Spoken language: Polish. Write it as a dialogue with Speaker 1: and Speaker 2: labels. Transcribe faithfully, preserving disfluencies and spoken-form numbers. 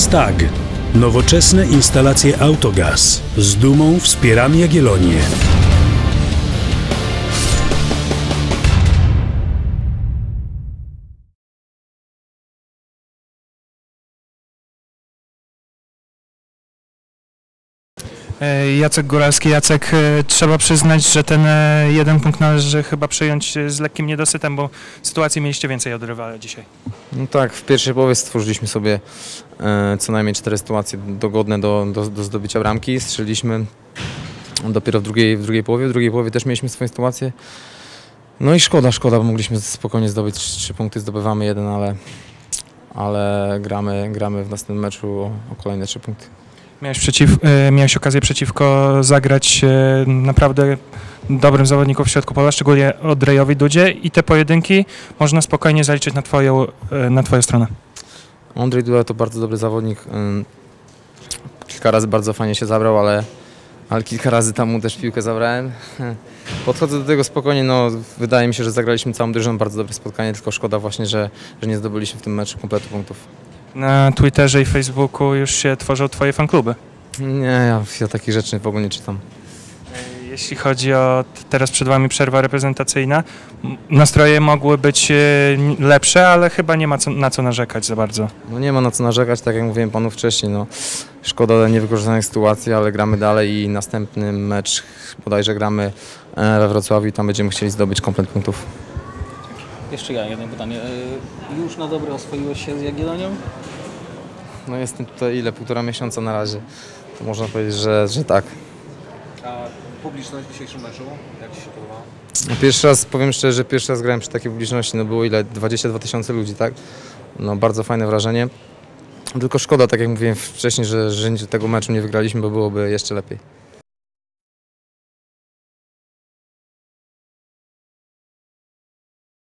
Speaker 1: STAG. Nowoczesne instalacje Autogaz. Z dumą wspieramy Jagiellonię.
Speaker 2: Jacek Góralski. Jacek, trzeba przyznać, że ten jeden punkt należy chyba przyjąć z lekkim niedosytem, bo sytuacji mieliście więcej od rywala dzisiaj.
Speaker 3: No tak, w pierwszej połowie stworzyliśmy sobie e, co najmniej cztery sytuacje dogodne do, do, do zdobycia bramki. Strzeliliśmy dopiero w drugiej, w drugiej połowie. W drugiej połowie też mieliśmy swoje sytuacje. No i szkoda, szkoda, bo mogliśmy spokojnie zdobyć trzy punkty, zdobywamy jeden, ale, ale gramy, gramy w następnym meczu o, o kolejne trzy punkty.
Speaker 2: Miałeś, przeciw, miałeś okazję przeciwko zagrać naprawdę dobrym zawodnikom w środku pola, szczególnie Ondrejowi Dudzie, i te pojedynki można spokojnie zaliczyć na twoją, na twoją stronę.
Speaker 3: Ondrej Duda to bardzo dobry zawodnik. Kilka razy bardzo fajnie się zabrał, ale, ale kilka razy tam mu też piłkę zabrałem. Podchodzę do tego spokojnie, no wydaje mi się, że zagraliśmy całą drużyną bardzo dobre spotkanie, tylko szkoda właśnie, że, że nie zdobyliśmy w tym meczu kompletu punktów.
Speaker 2: Na Twitterze i Facebooku już się tworzą twoje fankluby.
Speaker 3: Nie, ja, ja takich rzeczy w ogóle nie czytam.
Speaker 2: Jeśli chodzi o teraz przed wami przerwa reprezentacyjna, nastroje mogły być lepsze, ale chyba nie ma co, na co narzekać za bardzo.
Speaker 3: No nie ma na co narzekać, tak jak mówiłem panu wcześniej, no szkoda niewykorzystanych sytuacji, ale gramy dalej i następny mecz bodajże gramy we Wrocławiu i tam będziemy chcieli zdobyć komplet punktów.
Speaker 4: Jeszcze ja jedno pytanie. Już na dobre oswoiłeś się z Jagiellonią?
Speaker 3: No jestem tutaj ile? Półtora miesiąca na razie. To można powiedzieć, że, że tak.
Speaker 5: A publiczność w dzisiejszym meczu, jak Ci się podobało?
Speaker 3: No pierwszy raz, powiem szczerze, że pierwszy raz grałem przy takiej publiczności, no było ile? dwadzieścia dwa tysiące ludzi, tak? No bardzo fajne wrażenie. Tylko szkoda, tak jak mówiłem wcześniej, że, że tego meczu nie wygraliśmy, bo byłoby jeszcze lepiej.